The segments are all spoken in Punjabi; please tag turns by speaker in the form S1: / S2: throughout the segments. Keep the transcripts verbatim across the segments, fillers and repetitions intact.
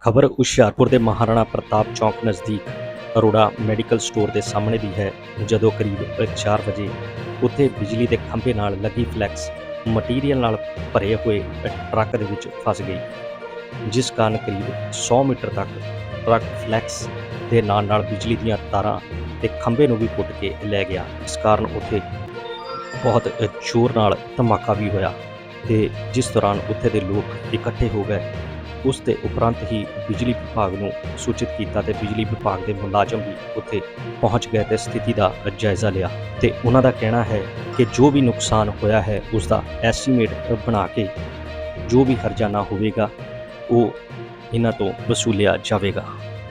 S1: ਖਬਰ ਹੁਸ਼ਿਆਰਪੁਰ ਦੇ ਮਹਾਰਾਣਾ ਪ੍ਰਤਾਪ ਚੌਂਕ ਨਜ਼ਦੀਕ ਅਰੋੜਾ ਮੈਡੀਕਲ ਸਟੋਰ ਦੇ ਸਾਹਮਣੇ ਦੀ ਹੈ, ਜਦੋਂ ਕਰੀਬ ਚਾਰ ਵਜੇ ਉੱਥੇ ਬਿਜਲੀ ਦੇ ਖੰਭੇ ਨਾਲ ਲੱਗੀ ਫਲੈਕਸ ਮਟੀਰੀਅਲ ਨਾਲ ਭਰੇ ਹੋਏ ਟਰੱਕ ਦੇ ਵਿੱਚ ਫਸ ਗਈ, ਜਿਸ ਕਾਰਨ ਕਰੀਬ ਸੌ ਮੀਟਰ ਤੱਕ ਟਰੱਕ ਫਲੈਕਸ ਦੇ ਨਾਲ ਨਾਲ ਬਿਜਲੀ ਦੀਆਂ ਤਾਰਾਂ ਤੇ ਖੰਭੇ ਨੂੰ ਵੀ ਪੁੱਟ ਕੇ ਲੈ ਗਿਆ। ਇਸ ਕਾਰਨ ਉੱਥੇ ਬਹੁਤ ਜ਼ੋਰ ਨਾਲ ਧਮਾਕਾ ਵੀ ਹੋਇਆ ਤੇ ਜਿਸ ਦੌਰਾਨ ਉੱਥੇ ਦੇ ਲੋਕ ਇਕੱਠੇ ਹੋ ਗਏ। ਉਸ ਦੇ ਉਪਰੰਤ ਹੀ ਬਿਜਲੀ ਵਿਭਾਗ ਨੂੰ ਸੂਚਿਤ ਕੀਤਾ ਤੇ ਬਿਜਲੀ ਵਿਭਾਗ ਦੇ ਮੁਲਾਜ਼ਮ ਵੀ ਉੱਥੇ ਪਹੁੰਚ ਗਏ ਤੇ ਸਥਿਤੀ ਦਾ ਜਾਇਜ਼ਾ ਲਿਆ ਤੇ ਉਹਨਾਂ ਦਾ ਕਹਿਣਾ ਹੈ ਕਿ ਜੋ ਵੀ ਨੁਕਸਾਨ ਹੋਇਆ ਹੈ ਉਸ ਦਾ ਐਸਟੀਮੇਟ ਬਣਾ ਕੇ ਜੋ ਵੀ ਹਰਜਾਨਾ ਹੋਵੇਗਾ ਉਹ ਇਹਨਾਂ ਤੋਂ ਵਸੂਲਿਆ ਜਾਵੇਗਾ।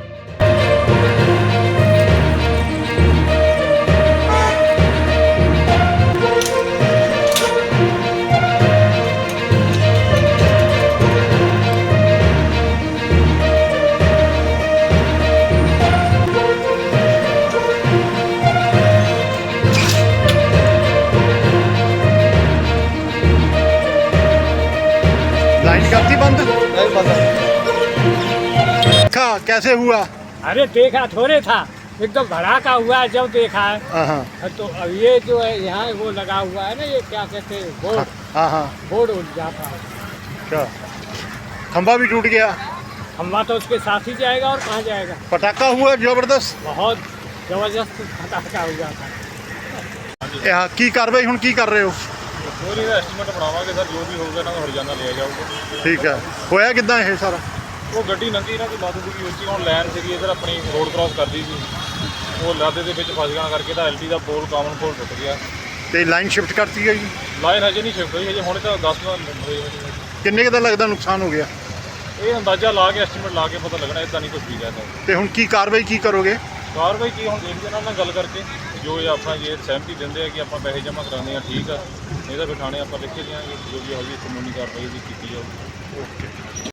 S2: लाइन करती बंद
S3: नहीं पता।
S2: देखा कैसे हुआ?
S3: अरे देखा थोड़े था, एकदम भड़ाका हुआ है जब देखा है।
S2: हाँ
S3: तो अब ये जो है यहाँ वो लगा हुआ है ना, ये क्या कहते हैं बोर्ड,
S2: हाँ हाँ
S3: बोर्ड उठ जाता है।
S2: क्या खंबा भी टूट गया?
S3: खम्बा तो उसके साथ ही जाएगा और कहाँ जाएगा।
S2: पटाखा हुआ जबरदस्त।
S3: बहुत जबरदस्त पटाखा हुआ था।
S2: यहाँ की कार्रवाई हुण की कर रहे हो?
S4: ਉਹਦੀ ਦਾ ਐਸਟੀਮੇਟ ਬਣਾਵਾਂਗੇ ਸਰ, ਜੋ ਵੀ ਹੋਊਗਾ ਇਹਨਾਂ ਦਾ ਹਰਜਾਨਾ ਲਿਆ ਜਾਊਗਾ।
S2: ਠੀਕ ਹੈ, ਹੋਇਆ ਕਿੱਦਾਂ ਇਹ ਸਾਰਾ?
S4: ਉਹ ਗੱਡੀ ਲੰਘੀ ਨਾ ਕੋਈ ਲੱਦ ਦੂਗੀ ਉੱਚੀ, ਹੁਣ ਲਾਈਨ ਸੀਗੀ ਇੱਧਰ ਆਪਣੀ ਰੋਡ ਕ੍ਰਾਸ ਕਰਦੀ ਸੀ, ਉਹ ਲੱਦ ਦੇ ਵਿੱਚ ਫਸ ਜਾਣ ਕਰਕੇ ਤਾਂ ਐਲਟੀ ਦਾ ਪੋਲ ਕਾਮਨ ਪੋਲ ਟੁੱਟ ਗਿਆ।
S2: ਤੇ ਲਾਈਨ ਸ਼ਿਫਟ ਕਰਤੀ ਗਈ?
S4: ਲਾਈਨ ਹਜੇ ਨਹੀਂ ਸ਼ਿਫਟ ਹੋਈ, ਹਜੇ ਹੁਣ ਤਾਂ ਦਸ ਮਿੰਟ ਹੋਏ ਹੋਏ।
S2: ਕਿੰਨੇ ਕੁ ਦਾ ਲੱਗਦਾ ਨੁਕਸਾਨ ਹੋ ਗਿਆ?
S4: ਇਹ ਅੰਦਾਜ਼ਾ ਲਾ ਕੇ ਐਸਟੀਮੇਟ ਲਾ ਕੇ ਪਤਾ ਲੱਗਣਾ, ਇਦਾਂ ਨਹੀਂ ਕੁਝ ਵੀ ਕਹਿੰਦਾ।
S2: ਤੇ ਹੁਣ ਕੀ ਕਾਰਵਾਈ ਕੀ ਕਰੋਗੇ?
S4: ਕਾਰਵਾਈ ਕੀ ਹੁਣ ਦੇਖਦੇ ਇਹਨਾਂ ਨਾਲ ਗੱਲ ਕਰਕੇ, ਜੋ ਇਹ ਆਪਣਾ ਜੇ ਸਹਿਮਤੀ ਦਿੰਦੇ ਆ ਕਿ ਆਪਾਂ ਪੈਸੇ ਜਮ੍ਹਾਂ ਕਰਾਉਂਦੇ ਆ ਠੀਕ ਆ, ਨਹੀਂ ਤਾਂ ਫਿਰ ਥਾਣੇ ਆਪਾਂ ਲਿਖ ਕੇ ਦਿਆਂਗੇ, ਜੋ ਵੀ ਹੋਊਗੀ ਕਾਨੂੰਨੀ ਕਾਰਵਾਈ ਵੀ ਕੀਤੀ ਜਾਊਗੀ।
S2: ਓਕੇ।